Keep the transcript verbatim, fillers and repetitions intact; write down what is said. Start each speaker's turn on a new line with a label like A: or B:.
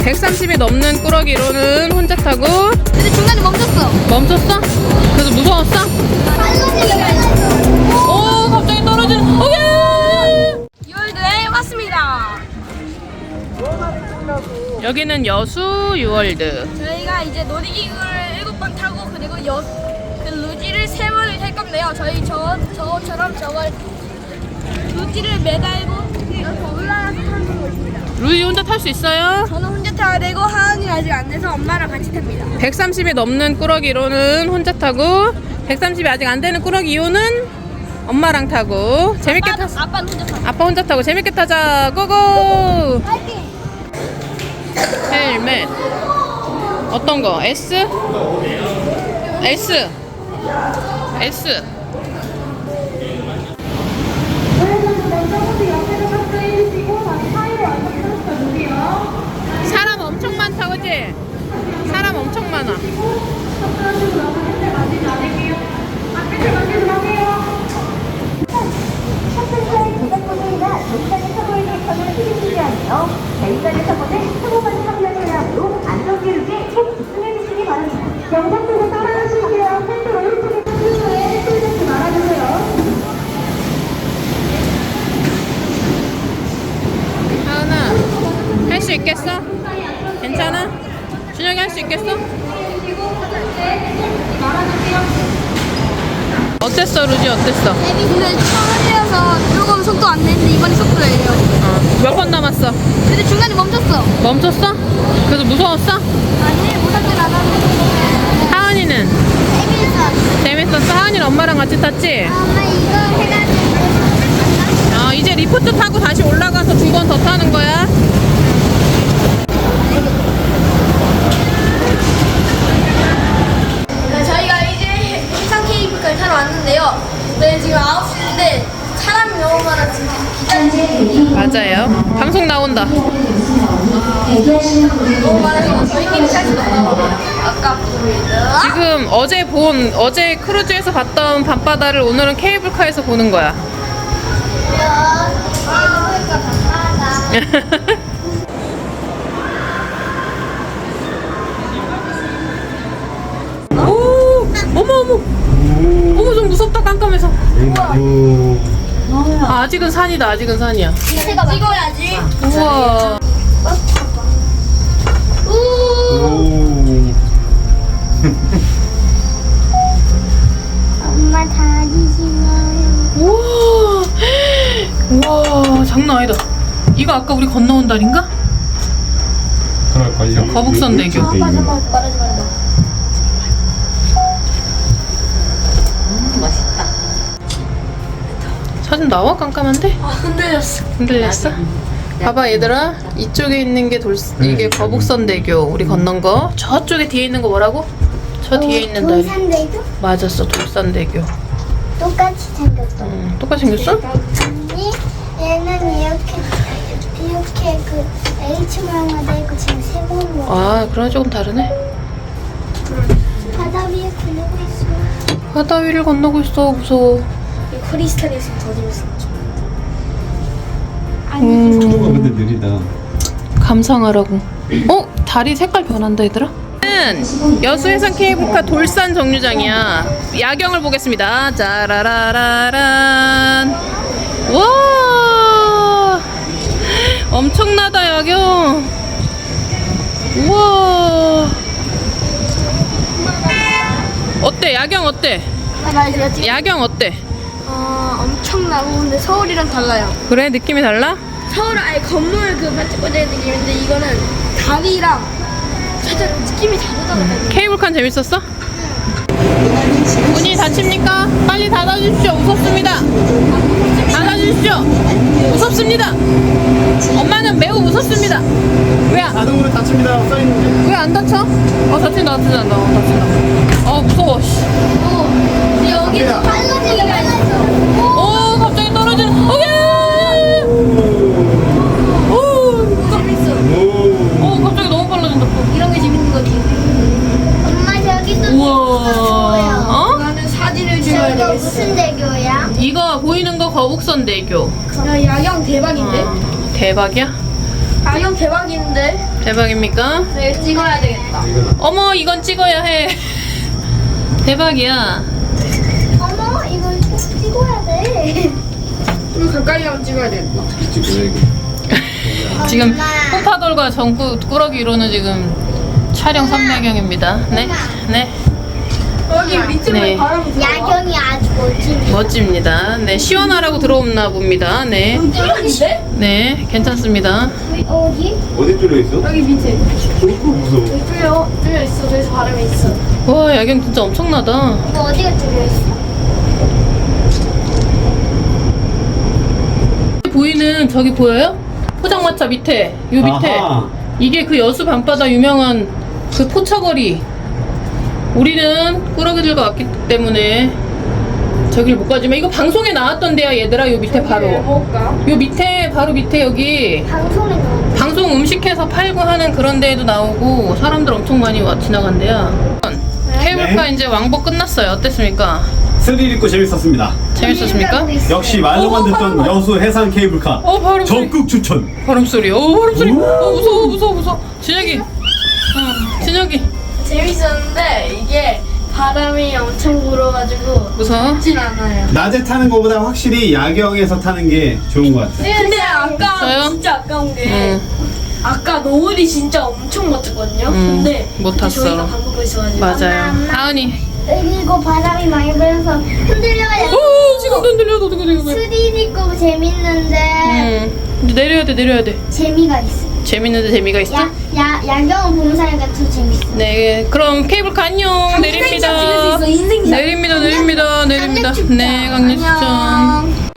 A: 백삼십이 넘는 꾸러기로는 혼자 타고.
B: 근데 중간에 멈췄어.
A: 멈췄어? 그래서 무서웠어? 오, 갑자기 떨어지는. 오예!
B: 유월드에 왔습니다.
A: 여기는 여수 유월드.
B: 저희가 이제 놀이기구를 일곱 번 타고 그리고 여, 그 루지를 세 번을 탈 건데요. 저희 저, 저처럼 저걸 루지를 매달고 이렇게 올라가서 타는 곳입니다.
A: 루이 혼자 탈 수 있어요?
B: 저는 혼자 타야 되고 하은이 아직 안 돼서 엄마랑 같이 탑니다.
A: 백삼십이 넘는 꾸러기로는 혼자 타고, 백삼십이 아직 안 되는 꾸러기 이호는 엄마랑 타고. 재밌게
B: 아빠는,
A: 탔어.
B: 아빠는 혼자 타.
A: 아빠 혼자 타고 재밌게 타자. 고고!
B: 파이팅!
A: 헬멧. 어떤 거? S? S. S. 사람 엄청 많다, 그치? 사람 엄청 많아.
C: 내일까지 사고는 사고받는 확률을 하므로 안전교육에 꼭 집중해주시기 바랍니다. 영상 보고 따라하실게요. 팬들 오른쪽에 팬들에 손 잡지 말아주세요.
A: 하은아, 할 수 있겠어? 괜찮아? 준혁이 할 수 있겠어? 어땠어, 루지? 어땠어?
B: 근데 처음이라서 조금 속도 안 내는데 이번에 속도 내요.
A: 어, 몇 번 남았어?
B: 근데 중간에 멈췄어.
A: 멈췄어? 그래서 무서웠어?
B: 아니 무섭진 않았는데.
A: 하은이는?
B: 재밌어.
A: 재밌었어? 하은이는 엄마랑 같이 탔지?
B: 엄마 이거 해가지고.
A: 아, 이제 리프트 타고 다시 올라가서 두 번 더 타는 거야?
B: 네, 저희가 이제 해상 케이블카를 타러 왔는데요. 네, 지금 아홉 시인데 사람이 너무 많아 지금 기다리지.
A: 맞아요. 방송 나온다.
B: 너무 많아서 저희끼리 탈 수가 없나 아깝습니다.
A: 지금 어제 본, 어제 크루즈에서 봤던 밤바다를 오늘은 케이블카에서 보는 거야. 오, 어머 어머, 어머 좀 무섭다 깜깜해서. 아, 아직은 산이다. 아직은 산이야.
B: 제가 찍어야지.
A: 우와.
B: 엄마 다리 지나요.
A: 우와. 우와, 장난 아니다. 이거 아까 우리 건너온 다리인가?
D: 그럴걸요.
A: 거북선대교.
D: 이쪽에 있는 거.
B: 말하지 말자.
A: 사진 나와? 깜깜한데?
B: 아 흔들렸어.
A: 흔들렸어? 봐봐 얘들아, 이쪽에 있는 게 돌, 이게 거북선대교 우리 건넌 거. 저쪽에 뒤에 있는 거 뭐라고? 저 뒤에 있는 다리.
C: 돌산대교?
A: 맞았어, 돌산대교.
C: 똑같이 생겼어.
A: 응, 똑같이 생겼어?
C: 아니, 얘는 이렇게 이렇게 그 H 모양으로 돼 있고 지금 세번 모양.
A: 아, 그럼 조금 다르네.
C: 바다 위에 굴리고 있어.
A: 바다 위를 건너고 있어. 무서워.
B: 크리스탈이 있으면 더 재밌어.
A: 음,
D: 속도가 근데 느리다.
A: 감상하라고. 어? 다리 색깔 변한다 얘들아? 는 여수해상 케이블카 돌산 정류장이야. 야경을 보겠습니다. 짜라라라란. 와, 엄청나다 야경. 우와. 어때? 야경 어때?
B: 아, 나 이제 지금
A: 야경 어때?
B: 어, 엄청나고 근데 서울이랑 달라요.
A: 그래? 느낌이 달라?
B: 서울은 아예 건물 그 반짝반짝한 느낌인데 이거는 다리랑 살짝 느낌이 다르더라고요.
A: 케이블카 재밌었어? 문이 닫힙니까? 빨리 닫아주십시오. 무섭습니다. 닫아주십시오. 무섭습니다. 엄마는 매우 무섭습니다. 왜 안,
D: 자동으로 닫힙니다. 써있는데.
A: 왜 안 닫혀? 어, 닫힌다, 닫힌다, 어, 닫힌다. 어, 무서워, 씨.
B: 근데 여기는 빨라지기가 있어.
A: 오, 갑자기 떨어지는, 오, 예! 오,
B: 재밌어.
A: 오, 갑자기 너무 빨라진다.
B: 이런 게 재밌는 거지.
C: 엄마 저기도
A: 우와. 어?
B: 나는 사진을 찍어야
C: 저기가
B: 되겠어.
C: 무슨 대교야?
A: 이거 보이는 거 거북선대교.
B: 야, 야경 대박인데?
A: 어, 대박이야?
B: 야경 대박인데?
A: 대박입니까?
B: 네, 찍어야 되겠다.
A: 어머, 이건 찍어야 해. 대박이야.
B: 어머, 이걸 꼭 찍어야 돼. 좀 가까이 하면 찍어야 되겠다.
D: 찍어야 이거.
A: 지금 홈파돌과 전구 꾸러기로는 지금 촬영 선배경입니다. 네, 네,
B: 여기 밑으로
A: 네.
B: 바람이 들어와.
C: 야경이 아주 멋집니다.
A: 멋집니다. 네, 시원하라고 들어옵나 봅니다. 네,
B: 뚫렸는데?
A: 네, 괜찮습니다.
C: 어디?
D: 어디 뚫려 있어?
B: 여기 밑에.
D: 무서워.
B: 여기 뚫려, 뚫려 있어. 그래서 바람이 있어.
A: 와, 야경 진짜 엄청나다.
C: 이거 어디가 뚫려있어?
A: 보이는 저기 보여요? 포장마차 밑에, 요 밑에.
D: 아하.
A: 이게 그 여수 밤바다 유명한 그 포차거리. 우리는 꾸러기들과 왔기 때문에 저길 못 가지만 이거 방송에 나왔던 데야 얘들아. 요 밑에 바로.
B: 먹을까?
A: 요 밑에 바로 밑에 여기
C: 방송에 나오는
A: 방송 음식해서 팔고 하는 그런 데에도 나오고 사람들 엄청 많이 와 지나간대요. 케이블카
D: 네.
A: 이제 왕복 끝났어요. 어땠습니까?
D: 스릴 있고 재밌었습니다.
A: 재밌었습니까?
D: 역시 말로만 듣던 여수 해상 케이블카.
A: 어, 바로
D: 적극 추천.
A: 바람 소리. 어, 바람 소리. 어, 무서워, 무서워, 무서워. 진혁이. 어, 진혁이.
B: 재밌었는데 이게 바람이 엄청 불어가지고
A: 무서워?
B: 진 않아요.
D: 낮에 타는 것보다 확실히 야경에서 타는 게 좋은 것 같아요.
B: 근데 아까
A: 저요?
B: 진짜 아까운 게
A: 응.
B: 아까 노을이 진짜 엄청 멋졌거든요.
A: 응,
B: 근데
A: 못
B: 그때
A: 탔어.
B: 저희가 밥 먹고 있어가지고
A: 맞아요. 하은이.
C: 그리고 바람이 많이 불어서 흔들려야
A: 오, 지금도 흔들려도 어떻게 되고 그래.
C: 스릴 있고 재밌는데
A: 응. 이제 내려야 돼, 내려야 돼.
C: 재미가 있어.
A: 재밌는데 재미가 있어?
C: 야, 야, 야경을 보는 사이가 더 재밌어.
A: 네, 그럼 케이블카 안녕. 내립니다.
B: 찍을 수 있어, 인생
A: 내립니다, 내립니다, 내립니다.
C: 강릉
A: 네, 강릉 추천.